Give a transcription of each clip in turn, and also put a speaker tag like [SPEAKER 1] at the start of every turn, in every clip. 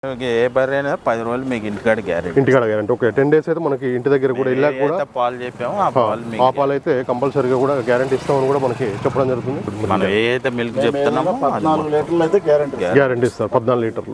[SPEAKER 1] ఏ బర్రెనా 10 రోజులు మీకు ఇంటికాడ గ్యారెంటీ.
[SPEAKER 2] ఇంటికాడ గ్యారెంటీ. ఓకే, 10 days అయితే మనకి ఇంటి దగ్గర కూడా ఇలా కూడా
[SPEAKER 1] పాలు చెప్పాము
[SPEAKER 2] ఆ పాలు అయితే కంపల్సరీగా కూడా గ్యారెంటీ ఇస్తామని కూడా మనకి చెప్పడం జరుగుతుంది.
[SPEAKER 1] మనం ఏదైతే మిల్క్ చెప్తున్నామో
[SPEAKER 3] 14 లీటర్లు అయితే
[SPEAKER 2] గ్యారెంటీ ఇస్తారు. 14 లీటర్లు.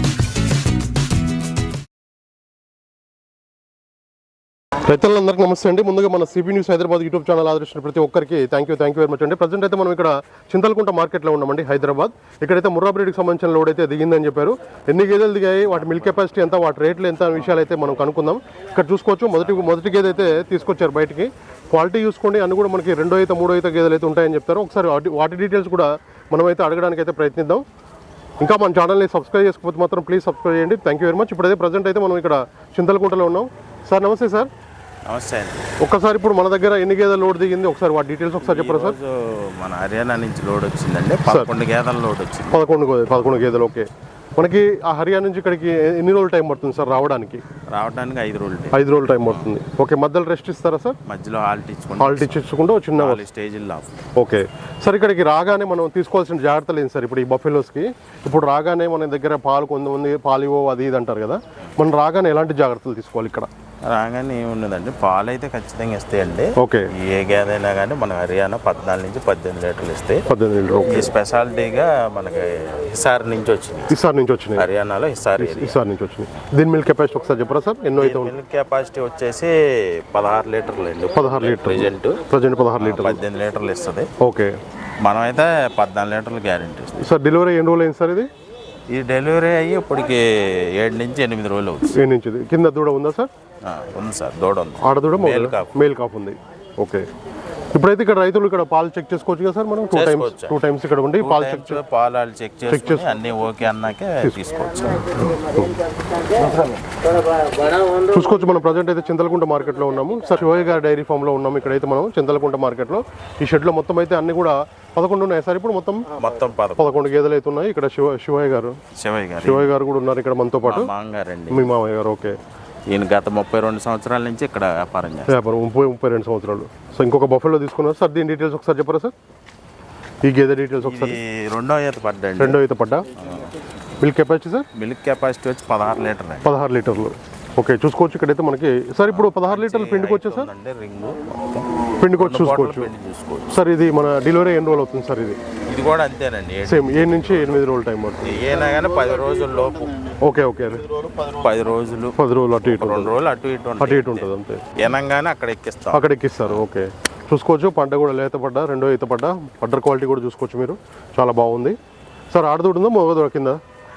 [SPEAKER 2] రైతులందరికీ నమస్తే అండి. ముందుగా మన C B news Hyderabad YouTube channel ఆదరించిన ప్రతి ఒక్కరికి థ్యాంక్ యూ వెరీ మచ్ అండి. ప్రజెంట్ అయితే మనం ఇక్కడ చింతలకుంట మార్కెట్లో ఉన్నామండి, హైదరాబాద్. ఇక్కడైతే ముర్రా బ్రీడ్కి సంబంధించిన లోడ్ అయితే దిగిందని చెప్పారు. ఎన్ని గేదెలు దిగాయి, వాటి మిల్క్ కెపాసిటీ ఎంత, వాటి రేట్లు ఎంత అనే విషయాలు అయితే మనం కనుక్కుందాం. ఇక్కడ చూసుకోవచ్చు మొదటి గేదె అయితే తీసుకొచ్చారు బయటికి. క్వాలిటీ చూసుకోండి, అన్ని కూడా మనకి 2 అయితే 3 అయితే గేదెలు అయితే ఉంటాయని చెప్తారు. ఒకసారి వాటి డీటెయిల్స్ కూడా మనమైతే అడగడానికి అయితే ప్రయత్నిద్దాం. ఇంకా మన ఛానల్ని సబ్స్క్రైబ్ చేసుకోకపోతే మాత్రం ప్లీజ్ సబ్స్క్రైబ్ చేయండి. Thank you very much. ఇప్పుడైతే ప్రజెంట్ అయితే మనం ఇక్కడ చింతలకుంటలో ఉన్నాం. సార్ నమస్తే సార్.
[SPEAKER 1] నమస్తే అండి.
[SPEAKER 2] ఒక్కసారి ఇప్పుడు మన దగ్గర ఎన్ని గేదెల లోడ్ దిగింది ఒకసారి వాటి డీటెయిల్స్ ఒకసారి చెప్పరా సార్?
[SPEAKER 1] మన హర్యానా నుంచి లోడ్ వచ్చిందండి, 11 గేదెల లోడ్ వచ్చింది.
[SPEAKER 2] 11 గేదెలు. ఓకే, మనకి ఆ హర్యానా నుంచి ఇక్కడికి ఎన్ని రోజులు టైం పడుతుంది సార్ రావడానికి?
[SPEAKER 1] 5 రోజులు.
[SPEAKER 2] 5 రోజులు టైం పడుతుంది. ఓకే, మధ్యలో రెస్ట్ ఇస్తారా సార్?
[SPEAKER 1] మధ్యలో హాల్ట్
[SPEAKER 2] ఇచ్చుకుంటూ చిన్న
[SPEAKER 1] స్టేజ్లో.
[SPEAKER 2] ఓకే సార్, ఇక్కడికి రాగానే మనం తీసుకోవాల్సిన జాగ్రత్తలు ఏంటి సార్? ఇప్పుడు ఈ బఫెలోస్కి ఇప్పుడు రాగానే మన దగ్గర పాలు కొంతమంది పాలివో అది ఇది అంటారు కదా, మనం రాగానే ఎలాంటి జాగ్రత్తలు తీసుకోవాలి? ఇక్కడ
[SPEAKER 1] రాగానే ఏమున్నదండి, పాలు అయితే ఖచ్చితంగా ఇస్తాయండి.
[SPEAKER 2] ఓకే,
[SPEAKER 1] ఏ గేదె అయినా కానీ మన హర్యానా 14 నుంచి 18 లీటర్లు ఇస్తాయి.
[SPEAKER 2] 18 లీటర్లు.
[SPEAKER 1] ఈ స్పెషాలిటీగా మనకి హిసార్ నుంచి వచ్చినాయి. హర్యానాలో హిసార్
[SPEAKER 2] నుంచి వచ్చినాయి. దీని మిల్క్ కెపాసిటీ ఒకసారి చెప్పరా సార్? ఎన్నో అయితే
[SPEAKER 1] మిల్క్ కెపాసిటీ వచ్చేసి 16 లీటర్లు అండి.
[SPEAKER 2] 16 లీటర్లు
[SPEAKER 1] ప్రజెంట్
[SPEAKER 2] 16 లీటర్లు.
[SPEAKER 1] 18 లీటర్లు ఇస్తుంది.
[SPEAKER 2] ఓకే,
[SPEAKER 1] మనమైతే 14 లీటర్లు గ్యారెంటీ ఇస్తుంది.
[SPEAKER 2] సార్ డెలివరీ ఎన్ని రోజులు అయింది సార్?
[SPEAKER 1] ఇది డెలివరీ అయ్యి ఇప్పటికి 7 నుంచి 8 రోజులు అవుతుంది.
[SPEAKER 2] 7 నుంచి. కింద దూడ ఉందా సార్?
[SPEAKER 1] ఉంది సార్, దూడ ఉంది.
[SPEAKER 2] ఆడదూడ మేల్ కాఫ్ ఉంది. ఓకే, ఇప్పుడైతే ఇక్కడ రైతులు ఇక్కడ పాలు చెక్ చేసుకోవచ్చు కదా సార్? మనం 2 టైమ్స్ ఇక్కడ ఉండి పాలు
[SPEAKER 1] చెక్ చేసి అన్ని ఓకే అన్నాకే తీసుకోవచ్చు.
[SPEAKER 2] చూసుకోవచ్చు. మనం ప్రజెంట్ అయితే చింతలకుంట మార్కెట్లో ఉన్నాము సార్. శివయ్య గారి డైరీ ఫామ్లో ఉన్నాము. ఇక్కడైతే మనం చింతలకుంట మార్కెట్లో ఈ షెడ్లో మొత్తం అయితే అన్ని కూడా 11 ఉన్నాయి సార్. ఇప్పుడు మొత్తం 11 గేదెలు అయితే ఉన్నాయి. ఇక్కడ శివయ్య గారు కూడా ఉన్నారు ఇక్కడ మనతో పాటు. మీ మామయ్య గారు. ఓకే,
[SPEAKER 1] ఈయన గత 32 సంవత్సరాల నుంచి ఇక్కడ వ్యాపారం చేస్తారు.
[SPEAKER 2] 32 సంవత్సరాలు. సో ఇంకొక బఫెలో తీసుకున్నారు సార్. దీని డీటెయిల్స్ ఒకసారి చెప్పరా సార్? ఈ గేదె డీటెయిల్స్ ఒకసారి.
[SPEAKER 1] రెండో ఈత పడ్డా.
[SPEAKER 2] Milk capacity sir?
[SPEAKER 1] Milk capacity వచ్చి 16 లీటర్లు.
[SPEAKER 2] 16 లీటర్లు. ఓకే, చూసుకోవచ్చు. ఇక్కడైతే మనకి సార్ ఇప్పుడు 16 లీటర్లు పిండికి వచ్చా సార్? పిండికి వచ్చి చూసుకోవచ్చు సార్. ఇది మన డెలివరీ ఎన్ని రోజులు అవుతుంది సార్?
[SPEAKER 1] ఇది కూడా అంతేనండి,
[SPEAKER 2] సేమ్ 7 నుంచి 8 రోజులు టైం పడుతుంది.
[SPEAKER 1] ఏనా కానీ 10 రోజుల లోపు.
[SPEAKER 2] ఓకే, 10 రోజులు అటు ఇటు
[SPEAKER 1] 2 రోజులు అటు ఇటు
[SPEAKER 2] ఉంటుంది అంతే.
[SPEAKER 1] ఏనంగానే అక్కడ
[SPEAKER 2] ఎక్కిస్తారు. ఓకే, చూసుకోవచ్చు. పంట కూడా లేత పడ్డా, రెండో ఈత పడ్డా. పడ్డర్ క్వాలిటీ కూడా చూసుకోవచ్చు మీరు, చాలా బాగుంది సార్. ఆడదూడుందా మగదూడ కింద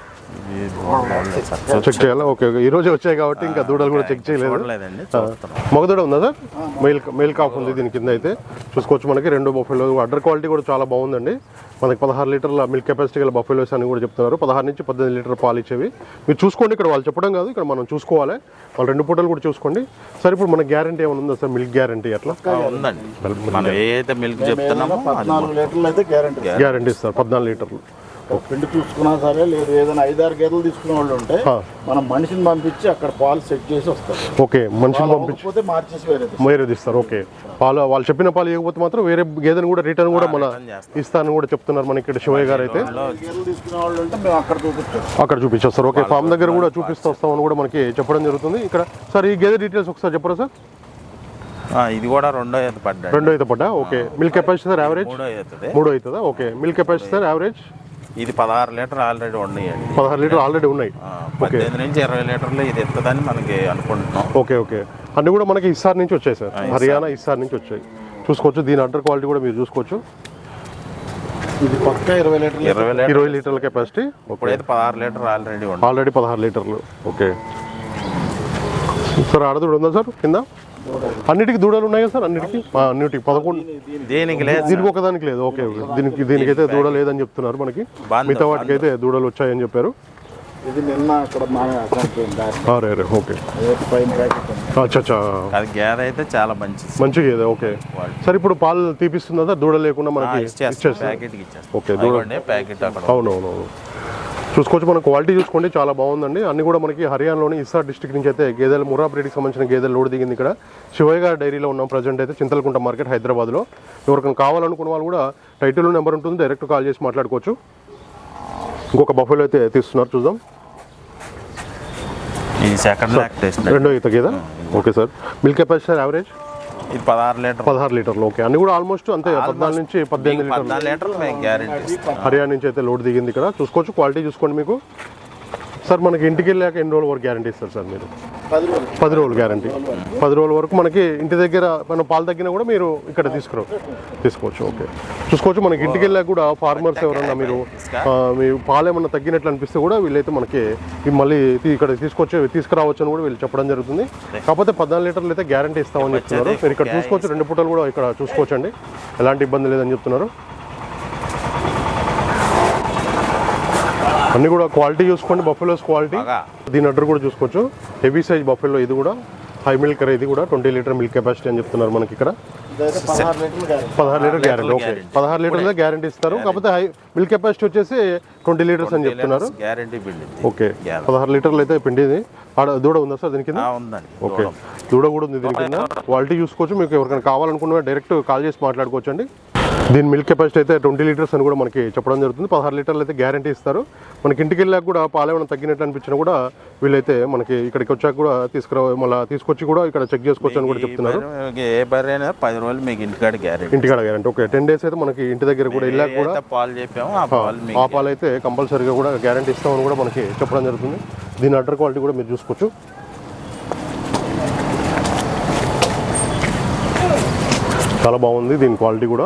[SPEAKER 2] చెక్ చేయాలా? ఓకే, ఈ రోజు వచ్చాయి కాబట్టి ఇంకా దూడలు కూడా చెక్ చేయలేదు. మగదూడ ఉందా సార్? మెయిల్ కాఫ్ ఉంది దీని కింద అయితే. చూసుకోవచ్చు. మనకి 2 బఫెలో అడ్డర్ క్వాలిటీ కూడా చాలా బాగుందండి. మనకి 16 లీటర్ల మిల్క్ కెపాసిటీ గల బఫెలోస్ అని కూడా చెప్తున్నారు. 16 నుంచి 18 లీటర్ పాలు ఇచ్చేవి. మీరు చూసుకోండి, ఇక్కడ వాళ్ళు చెప్పడం కాదు, ఇక్కడ మనం చూసుకోవాలి. వాళ్ళు 2 పూటలు కూడా చూసుకోండి సార్. ఇప్పుడు మన గ్యారంటీ ఏమైనా ఉందా సార్? మిల్క్ గ్యారంటీ అట్లా
[SPEAKER 1] ఉందండి. మనం ఏదైతే మిల్క్ చెప్తున్నామో
[SPEAKER 3] 14 లీటర్లు అయితే
[SPEAKER 2] గ్యారంటీ ఇస్తారు. 14 లీటర్లు.
[SPEAKER 3] పిండి చూసుకున్నా సరే, లేదు ఏదైనా 5-6 గేదెలు తీసుకునే వాళ్ళు ఉంటే మనం మనిషిని పంపించి అక్కడ పాలు సెట్ చేసి వస్తారు.
[SPEAKER 2] ఓకే, మనిషిని పంపించి
[SPEAKER 3] మార్చేసి
[SPEAKER 2] వేరేది ఇస్తారు. ఓకే, పాలు వాళ్ళు చెప్పిన పాలు ఇవ్వకపోతే మాత్రం వేరే గేదెని కూడా రిటర్న్ కూడా మన ఇస్తానని కూడా చెప్తున్నారు మనకి ఇక్కడ శివయ్య గారు అయితే.
[SPEAKER 3] గేదెలు తీసుకునే వాళ్ళు ఉంటే మేము అక్కడ
[SPEAKER 2] చూపించేస్తారు. ఓకే, ఫామ్ దగ్గర కూడా చూపిస్తూ వస్తామని కూడా మనకి చెప్పడం జరుగుతుంది ఇక్కడ. సార్ ఈ గేదె డీటెయిల్స్ ఒకసారి చెప్పరా సార్?
[SPEAKER 1] ఇది కూడా రెండో ఈత పడ్డా.
[SPEAKER 2] Okay, milk capacity sir average? 3 అవుతుందా? Okay, milk capacity sir average?
[SPEAKER 1] ఇది 16 లీటర్ ఆల్రెడీ ఉన్నాయండి.
[SPEAKER 2] 16 లీటర్ ఆల్రెడీ ఉన్నాయి.
[SPEAKER 1] 15 నుంచి 20 లీటర్లు ఇది ఎత్తదని మనకి అనుకుంటున్నాం.
[SPEAKER 2] ఓకే, అన్ని కూడా మనకి హిసార్ నుంచి వచ్చాయి సార్. హర్యానా హిసార్ నుంచి వచ్చాయి. చూసుకోవచ్చు. దీని అండర్ క్వాలిటీ కూడా మీరు చూసుకోవచ్చు.
[SPEAKER 3] ఇది పక్క 20
[SPEAKER 2] లీటర్ల కెపాసిటీ.
[SPEAKER 1] ఇప్పుడైతే 16 లీటర్
[SPEAKER 2] ఆల్రెడీ 16 లీటర్లు. ఓకే సార్, ఆడదూడ ఉందా సార్ కింద? అన్నిటికి దూడలు ఉన్నాయి కదా సార్? అన్నిటికి 11. దీనికి ఒకదానికి లేదు. ఓకే, దీనికైతే దూడ లేదని చెప్తున్నారు మనకి. మిగతా వాటికి అయితే దూడలు వచ్చాయని చెప్పారు. ఓకే,
[SPEAKER 1] అయితే చాలా మంచి
[SPEAKER 2] గేదె. ఓకే సార్, ఇప్పుడు పాలు తీపిస్తుందా సార్ దూడ లేకుండా మనకి? Okay,
[SPEAKER 1] packet.
[SPEAKER 2] అవునవును. చూసుకోవచ్చు. మన క్వాలిటీ చూసుకోండి, చాలా బాగుందండి. అన్ని కూడా మనకి హర్యానాలోని హిసార్ డిస్ట్రిక్ట్ నుంచి అయితే గేదెలు ముర్రా బ్రీడ్కి సంబంధించిన గేదెలు లోడ్ దిగింది. ఇక్కడ శివయ్య గారి డైరీలో ఉన్నాం ప్రజెంట్ అయితే చింతలకుంట మార్కెట్ హైదరాబాద్లో. ఎవరికైనా కావాలనుకున్న వాళ్ళు కూడా టైటిల్ నెంబర్ ఉంటుంది, డైరెక్ట్ కాల్ చేసి మాట్లాడుకోవచ్చు. ఇంకొక బఫెలో అయితే తీస్తున్నారు, చూద్దాం.
[SPEAKER 1] ఇది సెకండ్ లాక్టేషన్.
[SPEAKER 2] రెండో ఈత గేదె. Okay sir. Milk capacity sir average?
[SPEAKER 1] ఇది 16 లీటర్లు.
[SPEAKER 2] ఓకే, అన్ని కూడా ఆల్మోస్ట్ అంతే, 14 నుంచి 18
[SPEAKER 1] లీటర్లు మేము గ్యారెంటీ.
[SPEAKER 2] హర్యానా నుంచి అయితే లోడ్ దిగింది ఇక్కడ. చూసుకోవచ్చు, క్వాలిటీ చూసుకోండి. మీకు సార్ మనకి ఇంటికి వెళ్ళాక ఎన్ని రోజుల వరకు గ్యారంటీ ఇస్తారు సార్ మీరు? 10 రోజులు గ్యారంటీ. 10 రోజుల వరకు మనకి ఇంటి దగ్గర మన పాలు తగ్గినా కూడా మీరు ఇక్కడ తీసుకోవచ్చు. ఓకే, చూసుకోవచ్చు. మనకి ఇంటికి వెళ్ళాక కూడా ఫార్మర్స్ ఎవరన్నా మీరు మీ పాలు ఏమన్నా తగ్గినట్లు అనిపిస్తే కూడా వీళ్ళైతే మనకి మళ్ళీ ఇక్కడ తీసుకురావచ్చు అని కూడా వీళ్ళు చెప్పడం జరుగుతుంది. కాకపోతే 14 లీటర్లు అయితే గ్యారంటీ ఇస్తామని చెప్తున్నారు. మీరు ఇక్కడ చూసుకోవచ్చు, 2 పూటలు కూడా ఇక్కడ చూసుకోవచ్చు అండి, ఎలాంటి ఇబ్బంది లేదని చెప్తున్నారు. అన్ని కూడా క్వాలిటీ చూసుకోండి, బఫెలోస్ క్వాలిటీ. దీని అడ్డర్ కూడా చూసుకోవచ్చు, హెవీ సైజ్ బఫెలో. ఇది కూడా హై మిల్క్, ఇది కూడా 20 లీటర్ మిల్క్ కెపాసిటీ అని చెప్తున్నారు మనకి ఇక్కడ. 16 లీటర్ గ్యారంటీ. ఓకే, 16 లీటర్లే గ్యారంటీ ఇస్తారు. కాకపోతే హై మిల్క్ కెపాసిటీ వచ్చేసి 20 లీటర్స్ అని చెప్తున్నారు. ఓకే, 16 లీటర్లు అయితే పిండిది. దూడ ఉందా సార్ దీని కింద? ఓకే, దూడ కూడా ఉంది దీని కింద. క్వాలిటీ చూసుకోవచ్చు. మీకు ఎవరికైనా కావాలనుకున్నా డైరెక్ట్ కాల్ చేసి మాట్లాడుకోవచ్చు అండి. దీని మిల్క్ కెపాసిటీ అయితే 20 లీటర్స్ అని కూడా మనకి చెప్పడం జరుగుతుంది. 16 లీటర్లు అయితే గ్యారంటీ ఇస్తారు. మనకి ఇంటికి వెళ్ళాక కూడా పాలు ఏమైనా తగ్గినట్లు అనిపించినా కూడా వీళ్ళైతే మనకి ఇక్కడికి వచ్చాక కూడా మళ్ళీ తీసుకొచ్చి కూడా ఇక్కడ చెక్ చేసుకోవచ్చు అని కూడా చెప్తున్నారు.
[SPEAKER 1] 10 రోజులు మీకు ఇంటికాడ
[SPEAKER 2] గ్యారంటీ. ఓకే, 10 డేస్ అయితే మనకి ఇంటి దగ్గర కూడా వెళ్ళాక కూడా ఆ పాలు అయితే కంపల్సరీగా కూడా గ్యారంటీ ఇస్తామని కూడా మనకి చెప్పడం జరుగుతుంది. దీని అడ్డర్ క్వాలిటీ కూడా మీరు చూసుకోవచ్చు. చాలా బాగుంది దీని క్వాలిటీ కూడా.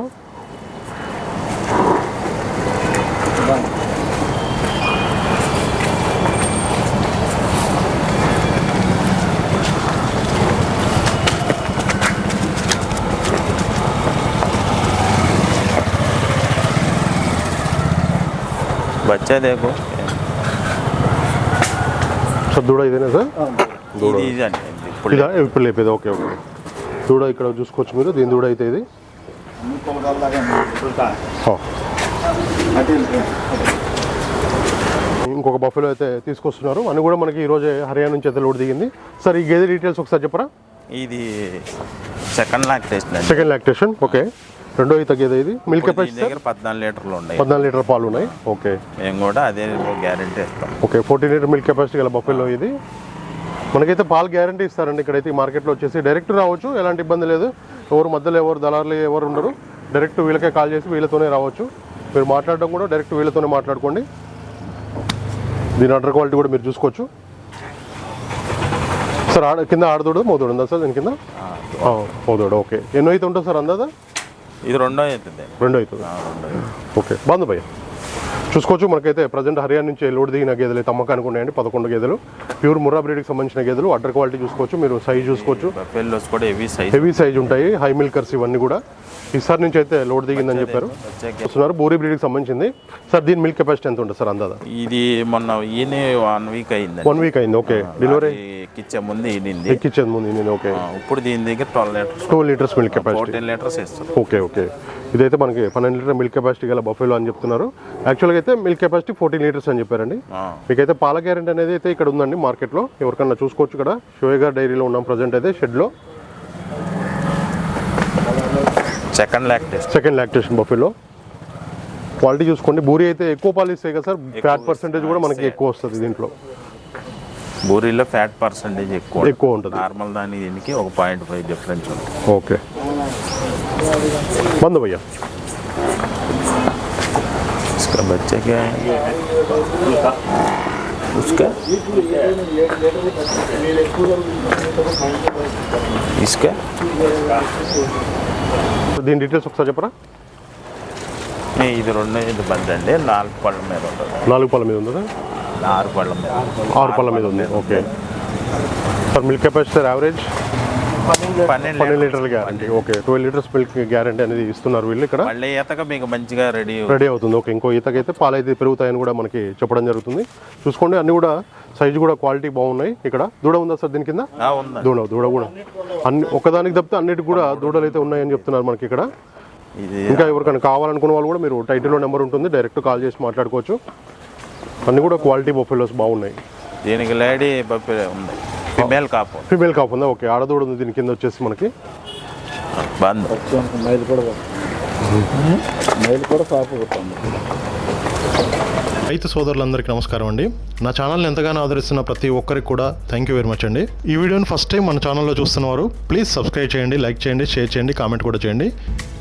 [SPEAKER 1] బచ్చా దేకో
[SPEAKER 2] సార్, దూడ ఇదేనా సార్? ఇప్పుడు లేపేది. ఓకే, దూడ ఇక్కడ చూసుకోవచ్చు మీరు. దీని దూడ అయితే ఇది. ఇంకొక బఫెలో అయితే తీసుకొస్తున్నారు. అన్ని కూడా మనకి ఈరోజే హర్యానా నుంచి అయితే లోడ్ దిగింది. సార్, ఈ గేదె డీటెయిల్స్ ఒకసారి చెప్పరా?
[SPEAKER 1] ఇది సెకండ్ లాక్టేషన్. ఓకే, రెండో ఈత గేదె. ఇది మిల్క్ కెపాసిటీ 14 లీటర్లు ఉన్నాయి.
[SPEAKER 2] 14 లీటర్ పాలు ఉన్నాయి. ఓకే,
[SPEAKER 1] మేము కూడా అదే గ్యారెంటీ ఇస్తాం.
[SPEAKER 2] ఓకే, 14 లీటర్ మిల్క్ కెపాసిటీ గల బఫెలో ఇది. మనకైతే పాలు గ్యారంటీ ఇస్తారండి. ఇక్కడైతే మార్కెట్లో వచ్చేసి డైరెక్ట్ రావచ్చు, ఎలాంటి ఇబ్బంది లేదు. మధ్యలో దళారులు ఎవరు ఉండరు. డైరెక్ట్ వీళ్ళకే కాల్ చేసి వీళ్ళతోనే రావచ్చు. మీరు మాట్లాడడం కూడా డైరెక్ట్ వీళ్ళతోనే మాట్లాడుకోండి. దీని అడ్డర్ క్వాలిటీ కూడా మీరు చూసుకోవచ్చు. సార్, కింద ఆడదోడు మోదోడు ఉందా సార్ దీని కింద? మోదోడు. ఓకే, ఎన్నో అయితే ఉంటుంది సార్ అందాదా?
[SPEAKER 1] ఇది రెండో అవుతుంది.
[SPEAKER 2] ఓకే, బాగుంది భయ్య. చూసుకోవచ్చు. మనకైతే ప్రజెంట్ హర్యానా నుంచి లోడ్ దిగిన గేదెలు అయితే అమ్మకానికి ఉన్నాయండి. 11 గేదెలు ప్యూర్ ముర్రా బ్రీడ్కి సంబంధించిన గేదెలు. అడ్డర్ క్వాలిటీ చూసుకోవచ్చు మీరు, సైజ్ చూసుకోవచ్చు. హెవీ సైజ్ ఉంటాయి, హై మిల్కర్స్ ఇవన్నీ కూడా. ఈసారి నుంచి అయితే లోడ్ దిగిందని చెప్పారు. వస్తున్నారు బోరీ బ్రీడ్కి సంబంధించింది. సార్, దీని మిల్క్ కెపాసిటీ ఎంత ఉంటుంది సార్ అందాదా?
[SPEAKER 1] ఇది మొన్న 1 వీక్ అయింది.
[SPEAKER 2] 1 వీక్ అయింది. ఓకే, డెలివరీ
[SPEAKER 1] ఎక్కిచ్చే ముందు
[SPEAKER 2] ఓకే,
[SPEAKER 1] ఇప్పుడు దీని దగ్గర
[SPEAKER 2] 12 లీటర్స్ మిల్క్ కెపాసిటీ.
[SPEAKER 1] 14 లీటర్స్ ఇస్తారు.
[SPEAKER 2] ఓకే, ఇదైతే మనకి 12 లీటర్ మిల్క్ కెపాసిటీ గల బఫెలో అని చెప్తున్నారు. యాక్చువల్గా అయితే మిల్క్ కెపాసిటీ 14 లీటర్స్ అని చెప్పారండి. మీకైతే పాల గ్యారెంటీ అనేది అయితే ఇక్కడ ఉందండి మార్కెట్లో. ఎవరికన్నా చూసుకోవచ్చు. ఇక్కడ షోయగార్ డైరీలో ఉన్నాం ప్రజెంట్ అయితే షెడ్లో.
[SPEAKER 1] Second
[SPEAKER 2] lactation buffalo. క్వాలిటీ చూసుకోండి. బూరి అయితే ఎక్కువ పాలు ఇస్తాయి కదా సార్, ఫ్యాట్ పర్సెంటేజ్ కూడా మనకి ఎక్కువ వస్తుంది దీంట్లో.
[SPEAKER 1] బూరీలో ఫ్యాట్ పర్సెంటేజ్ ఎక్కువ
[SPEAKER 2] ఉంటుంది.
[SPEAKER 1] నార్మల్ దీనికి 1.5 డిఫరెన్స్ ఉంటుంది.
[SPEAKER 2] ఓకే, బంద్ భయ్యా.
[SPEAKER 1] इसका बच्चा क्या है? उसका इसका
[SPEAKER 2] దీని డీటెయిల్స్ ఒకసారి చెప్పరా?
[SPEAKER 1] ఇది బంద్ అండి. 4 పళ్ళ మీద ఉంటుంది.
[SPEAKER 2] 4 పళ్ళ మీద ఉందా?
[SPEAKER 1] 6 పళ్ళ మీద
[SPEAKER 2] ఉంది. Okay sir, milk capacity average 12 లీటర్ల guarantee. Okay, 12 litres milk guarantee అనేది ఇస్తున్నారు వీళ్ళు ఇక్కడ.
[SPEAKER 1] మళ్ళీ ఈతగా మీకు మంచిగా రెడీ
[SPEAKER 2] అవుతుంది. ఓకే, ఇంకో ఈతకైతే పాలు అయితే పెరుగుతాయని కూడా మనకి చెప్పడం జరుగుతుంది. చూసుకోండి, అన్ని కూడా సైజు కూడా క్వాలిటీ బాగున్నాయి. ఇక్కడ దూడ ఉందా సార్ దీని కింద? దూడ కూడా అన్ని ఒకదానికి తప్పితే అన్నిటికి కూడా దూడలు అయితే ఉన్నాయని చెప్తున్నారు మనకి ఇక్కడ. ఇంకా ఎవరికైనా కావాలనుకున్న వాళ్ళు కూడా మీరు టైటిల్లో నెంబర్ ఉంటుంది, డైరెక్ట్ కాల్ చేసి మాట్లాడుకోవచ్చు. అన్ని కూడా క్వాలిటీ బఫెలోస్ బాగున్నాయి.
[SPEAKER 1] దీనికి లేడీ బఫెలో ఉంది, ఫిమేల్
[SPEAKER 2] కాపు ఉందా? ఓకే, ఆడదూడ ఉంది దీని కింద వచ్చేసి మనకి.
[SPEAKER 3] మైలు కూడా కాపు.
[SPEAKER 2] రైతు సోదరులందరికీ నమస్కారం అండి. నా ఛానల్ని ఎంతగానో ఆదరిస్తున్న ప్రతి ఒక్కరికి కూడా థ్యాంక్ యూ వెరీ మచ్ అండి. ఈ వీడియోని ఫస్ట్ టైం మన ఛానల్లో చూస్తున్నవారు ప్లీజ్ సబ్స్క్రైబ్ చేయండి, లైక్ చేయండి, షేర్ చేయండి, కామెంట్ కూడా చేయండి.